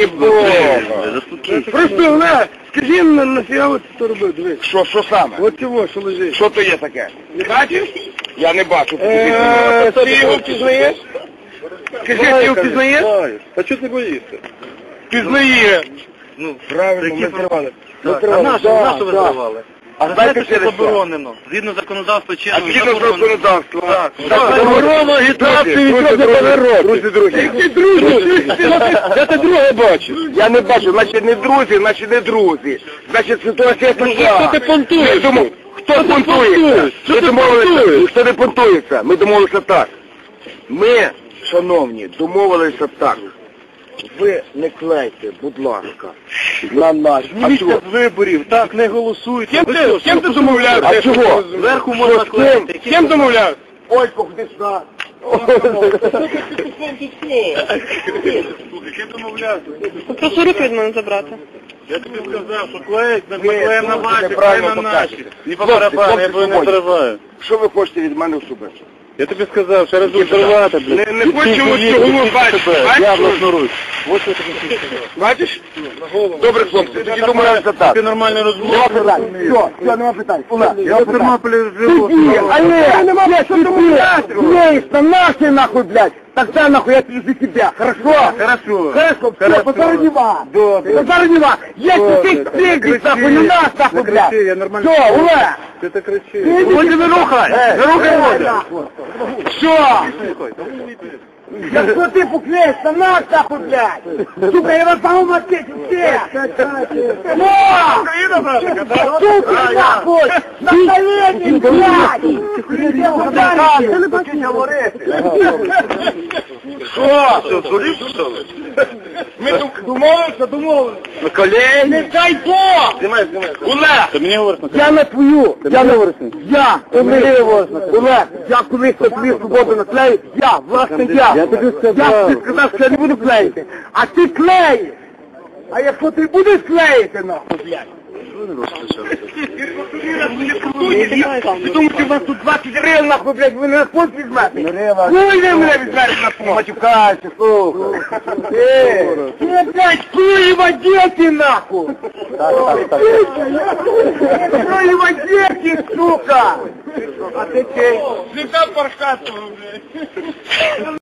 Просто, Олег, скажи нафіга от це робив, дивись. Що саме? От цього, що лежить. Що то є таке? Не бачиш? Я не бачу. Ти його впізнаєш? Скажи, ти його впізнаєш? А чого ти боїшся? Впізнає. Ну, правильно, ми зривали. А нащо ви зривали? А знаєте, що заборонено? Згідно законодавства А згідно законодавства. Заборонено агітацію відносно народ. Друзі. Які друзі? Я ти друге бачу. Я не бачу, значить не друзі, значить не друзі. Значить ситуація така. Що ти понтуєш? Хто понтується? Що ти понтуєш? Ніхто не понтується. Ми домовилися так. Ми, шановні, домовилися так. Ви не клейте, будь ласка, на нас. Зніміться з виборів, так, не голосуйте. Ким ти домовлявся? А чого? Зверху можна клеїти. Ким домовлявся? Ой, ходи сюди. Прошу руки від мене забрати. Я тобі сказав, що клеїть, ми Ви клеїмо на ваші, неправильно клеїмо на наші. покажете. І по барабану, я тебе не Хлопці, зриваю. Що ви хочете від мене особисто? Я тобі сказав, ще раз зривати, блядь. Не хочемо цього бачити. Я власноруч. Бачиш? Добре, хлопці, тоді домовилися так. Ти нормально розмовляєш. Все, нема питань. Олег, Я в Тернополі живу. Олег, нема що домовляти. Есть, нахуй, нахуй, блядь. Тогда нахуй я за тебя, хорошо? Хорошо. Хорошо, все, позорнева. Позорнева. Если ты встретишь, нахуй, не нас, нахуй, блядь. Кричи, я нормально. Все, Олег. Ти так кричи. Води не рухай. Не рухай води. Все. Якщо ти пукнеш, то нас, нахуй, блядь. Сука, я вас самому ответил, все. Сука, нахуй. На колени, блядь. Ти не бачиш говорити. Що? Ми домовилися. На колені. Не дай Бог. Знімай. Олег. Ти мені говориш на Я на твою, Олег, я колись тобі свободу наклею, власне я. Я тобі сказав, що я не буду клеїти, а ти клеїш. А якщо ти будеш клеїти, нахуй, блядь. Ви думаєте, у вас тут 20 гривень, нахуй, блядь, ви на фонд візьмете? Хуй ви мене візьмете на фонд? Матюкайся, слухай. Ти, блядь, хуєва діти, нахуй. Хуєва діти, сука. А ти чей? Всегда пархатого, блядь.